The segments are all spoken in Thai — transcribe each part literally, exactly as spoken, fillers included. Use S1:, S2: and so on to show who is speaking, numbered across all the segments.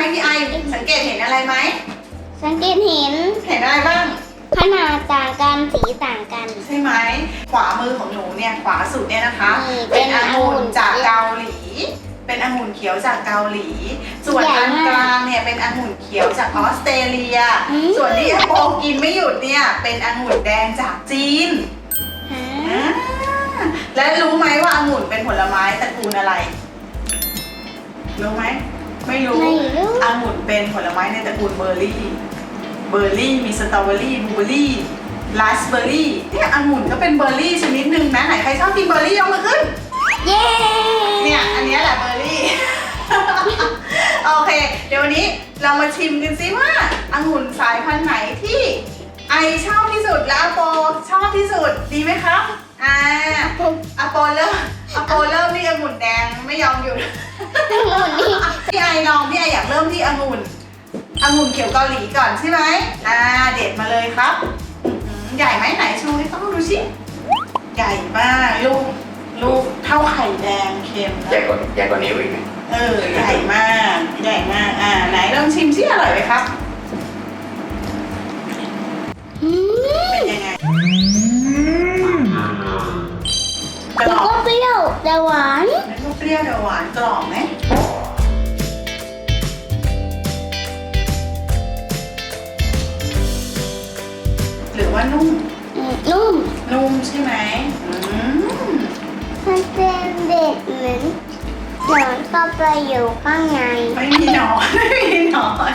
S1: พี่ไอสังเกตเห็นอะไรไหม
S2: สังเกตเห็น
S1: เห็นอะไรบ้าง
S2: ขนาดต่างกันสีต่างกัน
S1: ใช่ไหมขวามือของหนูเนี่ยขวาสุดเนี่ยนะคะ
S2: เป็
S1: เป็น
S2: น
S1: องุ่นจากเกาหลีเป็นองุ่นเขียวจากเกาหลี ส่วนอันกลางเนี่ยเป็นองุ่นเขียวจากออสเตรเลียส่วนที่โปกินไม่หยุดเนี่ยเป็นองุ่นแดงจากจีนและรู้ไหมว่าองุ่นเป็นผลไม้ตระกูลอะไรรู้ไหมไม่รู้องุ่นเป็นผลไม้ในตระกูลเบอร์รี่เบอร์รี่มีสตรอเบอรี่บลูเบอร์รี่ราสเบอร์รี่เนี่ยองุ่นก็เป็นเบอร์รี่ชนิดหนึ่งนะไหนใครชอบกินเบอร์รี่ยกมือขึ้น
S2: เย้
S1: เนี่ยอันนี้แหละเบอร์รี่ โอเคเดี๋ยววันนี้เรามาชิมกันซิว่าองุ่นสายพันธุ์ไหนที่ไอชอบที่สุดและอโปชอบที่สุดดีไหมครับอ่าอโปเริ่มอโปเริ่มที่องุ่นแดงไม่ยอมหยุด พี่ไอลองพี่ไออยากเริ่มที่องุ่นองุ่นเขียวเกาหลีก่อนใช่ไหมอ่าเด็ดมาเลยครับใหญ่ไหมไหนชูให้ต้องดูสิใหญ่มากลูกลูกเท่าไข่แดงเค็ม
S3: ใหญ่กว่าใหญ่กว่านี้อีกไหม
S1: เออใหญ่มากใหญ่มากอ่าไหนลองชิมสิอร่อยไหมครับเป็นยังไงกร
S2: แล้ว
S1: อบ
S2: ก็เปรี้ยวแต่หวาน
S1: แล้วก็เปรี้ยวแต่หวานกรอบไหมหรือว่านุ่ม
S2: นุ่ม
S1: นุ่มใช่ไหมอืม
S2: มันเป็นเด็กเหมือนหนอนเข้าไปอยู่ข้างใน
S1: ไม่มีหนอนไม่มีหนอน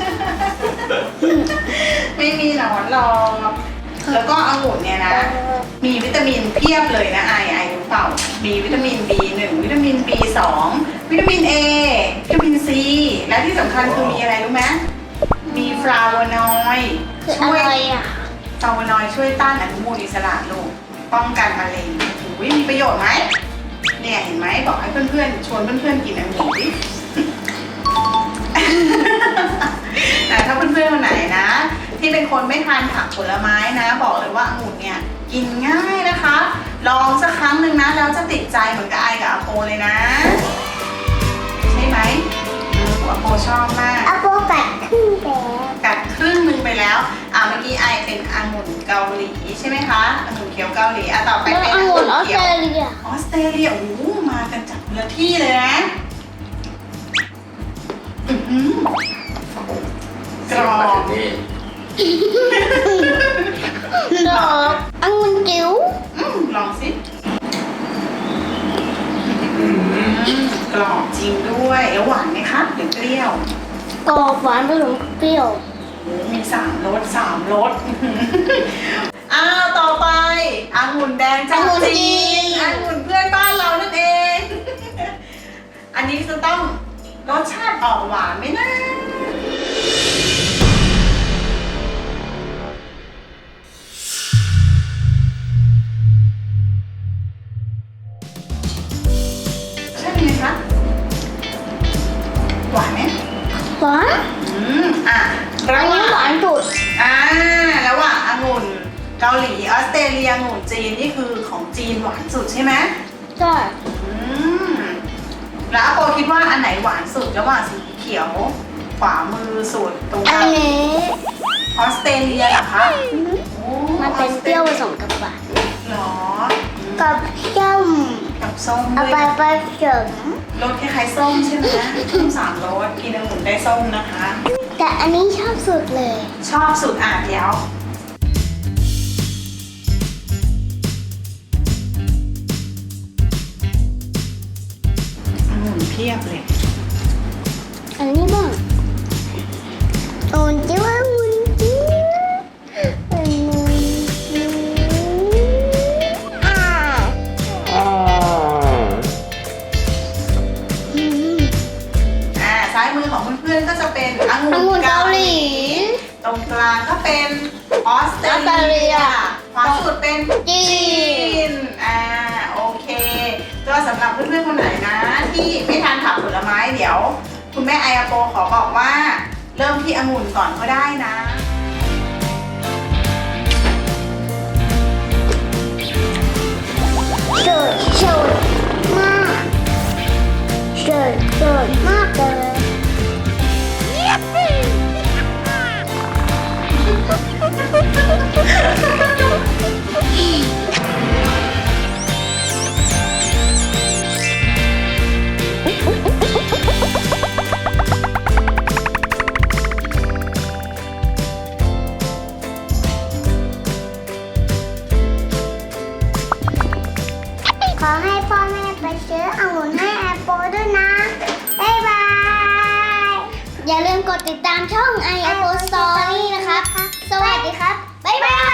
S1: ไม่มีหนอนหรอกแล้วก็องุ่นเนี่ยนะมีวิตามินเพียบเลยนะไอไอรู้เปล่ามีวิตามิน บี หนึ่ง วิตามิน บี สอง วิตามิน A วิตามิน C และที่สำคัญคือมีอะไรรู้ไหมมีฟลาโวนอยด์ช่วยฟลาโวนอยด์ช่วยต้านอนุมูลอิสระลูกป้องกันมะเร็งอุ้ยมีประโยชน์ไหมเนี่ยเห็นไหมบอกให้เพื่อนๆชวนเพื่อนๆกินองุ่นดิ ถ้าเพื่อนๆคนไหนนะที่เป็นคนไม่ทานผักผลไม้นะบอกเลยว่าองุ่นเนี่ยกินง่ายนะคะลองสักครั้งหนึ่งนะแล้วจะติดใจเหมือนกับไอกับอาโปเลยนะใช่ไหมอาโปชอบมาก
S2: อาโปกัดครึ่งแล้ว
S1: กัดครึ่งหนึ่งไปแล้วอ่ะเมื่อกี้ไอเป็นองุ่นเกาหลีใช่ไหมคะองุ่นเขียวเกาหลีอ่ะต่อไปเป็นองุ่นเขียวออสเตรเลียออสเตรเลียโอ้โหมากันจากคนละที่เลยนะกรอบ
S2: ดอกองุ่นจิ๋ว
S1: ลองสิกรอบจริงด้วยแล้วหวานไหมคะหรือเปรี้ยว
S2: กรอบหวานผสมเปรี้ยว
S1: มีสามรสสามรสอ้าวต่อไปองุ่นแดงจากจีนองุ่นเพื่อนบ้านเรานั่นเองอันนี้จะต้องรสชาติออกหวานไหมนะใช่ไหมคะหวานไหม
S2: หวาน
S1: อืมอ่ะ
S2: อันนี้หวานสุด
S1: อ่าแล้วว่าองุ่นเกาหลีออสเตรเลียองุ่นจีนนี่คือของจีนหวานสุดใช่ไหม
S2: ใช่
S1: อืมแล้วอาโปคิดว่าอันไหนหวานสุดระหว่างสีเขียวขวามือสุดตรงกลาง
S2: อันนี้
S1: ออสเตรเลียเหรอคะ
S2: มันเป็นเปรี้ยวผสมกับหวาน
S1: หรอ
S2: กับส้ม
S1: กับส้ม
S2: เอาไปผสม
S1: รสคล้ายๆส้มใช่ไหมส้มสามรสกินองุ่นได้ส้มนะคะ
S2: แต่อันนี้ชอบสุดเลย
S1: ชอบสุดอ่ะเดี๋ยวองุ่นเพียบเลย
S2: อันนี้บ้างองุ่นจิ้วองุ่นจิ้วองุ่นจิ้วอ่า
S1: อ่าซ้ายมือของเพื่อนๆก็จะเป็นองุ่นเกาหลีตรงกลางก็เป็นออสเตรเลียขวาสุดเป็นจีนอ่าโอเคก็สำหรับเพื่อนๆคนไหนนะที่ไม่ทานผักผลไม้เดี๋ยวคุณแม่ไออาโปขอบอกว่าเริ่มที่องุ่นก่อนก็ได้นะ
S2: สดสดมากสดสดมากเลยขอให้พ่อแม่ไปซื้อองุ่นให้แอปเปิลด้วยนะบ๊ายบายอย่าลืมกดติดตามช่อง ไอ แอปเปิล Story นะครับสวัสดีครับบ๊ายบาย